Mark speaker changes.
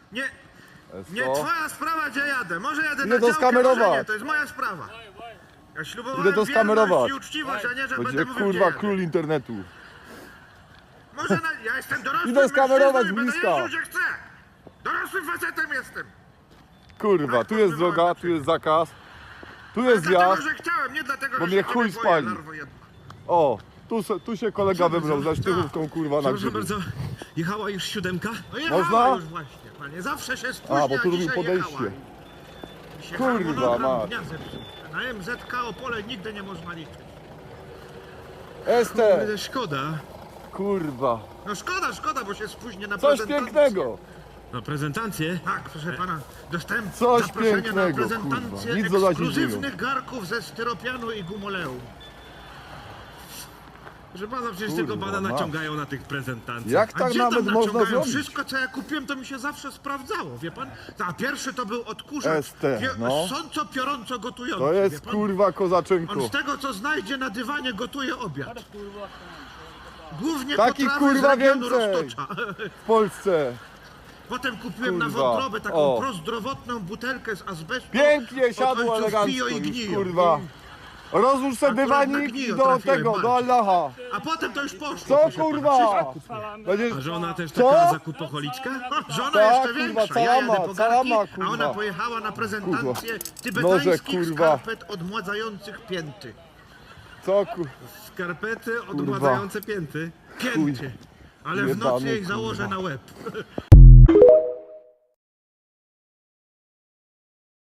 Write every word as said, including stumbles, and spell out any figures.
Speaker 1: Nie,
Speaker 2: Jest
Speaker 1: nie
Speaker 2: to.
Speaker 1: twoja sprawa, gdzie jadę. Może jadę
Speaker 2: Idę
Speaker 1: na
Speaker 2: to
Speaker 1: działkę,
Speaker 2: skamerować.
Speaker 1: może nie, to jest moja sprawa. Ja ślubowałem
Speaker 2: Idę to
Speaker 1: wierność
Speaker 2: skamerować.
Speaker 1: i uczciwość, a nie, że
Speaker 2: Będzie
Speaker 1: będę mówił,
Speaker 2: kurwa
Speaker 1: gdzie
Speaker 2: król
Speaker 1: jadę.
Speaker 2: internetu.
Speaker 1: Może na, ja jestem dorosłym
Speaker 2: Idę skamerować
Speaker 1: mężczyzną i będę
Speaker 2: bliska.
Speaker 1: jeździł, gdzie chcę. Dorosłym facetem jestem.
Speaker 2: Kurwa, tu jest droga, tu jest zakaz. Tu jest
Speaker 1: Dlatego,
Speaker 2: zjazd.
Speaker 1: że chciałem, nie dlatego,
Speaker 2: Bo
Speaker 1: że
Speaker 2: mnie
Speaker 1: się
Speaker 2: chuj
Speaker 1: ciebie boję,
Speaker 2: spali.
Speaker 1: larwo jedna.
Speaker 2: O, tu, se- tu się kolega wybrał za sztychówką kurwa na
Speaker 3: Proszę
Speaker 2: grzyby.
Speaker 3: bardzo, jechała już siódemka?
Speaker 1: No jechała
Speaker 2: Można?
Speaker 1: już właśnie, panie. Zawsze się spóźnia,
Speaker 2: A, bo tu robił
Speaker 1: dzisiaj
Speaker 2: podejście.
Speaker 1: jechała. Dzisiaj
Speaker 2: Kurwa,
Speaker 1: harmonogram
Speaker 2: mać.
Speaker 1: dnia zepsuł. Na M Z K Opole nigdy nie można liczyć.
Speaker 2: Este,
Speaker 3: Kurde, szkoda.
Speaker 2: kurwa.
Speaker 1: No szkoda, szkoda, bo się spóźnię na
Speaker 2: Coś
Speaker 1: prezentację.
Speaker 2: pięknego.
Speaker 3: Na prezentację?
Speaker 1: Tak, proszę pana, dostałem
Speaker 2: Coś
Speaker 1: zaproszenie na
Speaker 2: pięknego,
Speaker 1: prezentację
Speaker 2: kurwa. Nic dodać, nic
Speaker 1: ekskluzywnych garków ze styropianu i gumoleum.
Speaker 3: Proszę pana, przecież
Speaker 2: Kurwa,
Speaker 3: tylko pana
Speaker 2: masz.
Speaker 3: naciągają na tych prezentacjach.
Speaker 2: Jak
Speaker 1: A
Speaker 2: tak
Speaker 1: gdzie tam
Speaker 2: nawet można
Speaker 1: naciągają?
Speaker 2: zrobić?
Speaker 1: Wszystko, co ja kupiłem, to mi się zawsze sprawdzało, wie pan? A pierwszy to był odkurzacz,
Speaker 2: Este,
Speaker 1: pio-
Speaker 2: no.
Speaker 1: sąco piorąco gotujący,
Speaker 2: To
Speaker 1: wie
Speaker 2: jest
Speaker 1: pan?
Speaker 2: kurwa
Speaker 1: On
Speaker 2: kozaczynko.
Speaker 1: z tego, co znajdzie na dywanie, gotuje obiad. Głównie
Speaker 2: Taki,
Speaker 1: potrawy
Speaker 2: kurwa,
Speaker 1: z regionu
Speaker 2: więcej.
Speaker 1: Roztocza.
Speaker 2: W Polsce.
Speaker 1: Potem kupiłem na
Speaker 2: Kurwa.
Speaker 1: wątrobę taką
Speaker 2: O.
Speaker 1: prozdrowotną butelkę z azbestu.
Speaker 2: Pięknie
Speaker 1: Od
Speaker 2: siadło
Speaker 1: ojców
Speaker 2: elegancko
Speaker 1: piją i
Speaker 2: już,
Speaker 1: gniją.
Speaker 2: kurwa. Rozłóż se
Speaker 1: Akurat na
Speaker 2: dywanik
Speaker 1: gnijo
Speaker 2: i do
Speaker 1: trafiłem,
Speaker 2: tego,
Speaker 1: patrz.
Speaker 2: do Allaha.
Speaker 1: A potem to już poszło.
Speaker 2: Co
Speaker 1: proszę pana.
Speaker 2: kurwa? Będziesz...
Speaker 3: A żona też
Speaker 2: Co?
Speaker 3: taka zakupocholiczka?
Speaker 1: Żona
Speaker 2: Tak,
Speaker 1: jeszcze
Speaker 2: kurwa,
Speaker 1: większa.
Speaker 2: cała
Speaker 1: Ja jadę
Speaker 2: ma-
Speaker 1: po
Speaker 2: cała
Speaker 1: garki,
Speaker 2: ma,
Speaker 1: a
Speaker 2: kurwa.
Speaker 1: ona pojechała na prezentację
Speaker 2: Noże,
Speaker 1: tybetańskich
Speaker 2: kurwa.
Speaker 1: skarpet odmładzających pięty.
Speaker 2: Co kur...
Speaker 3: Skarpety odmładzające pięty.
Speaker 1: Pięty. Ale w
Speaker 2: Jebany,
Speaker 1: nocy jej
Speaker 2: kurwa.
Speaker 1: założę na łeb.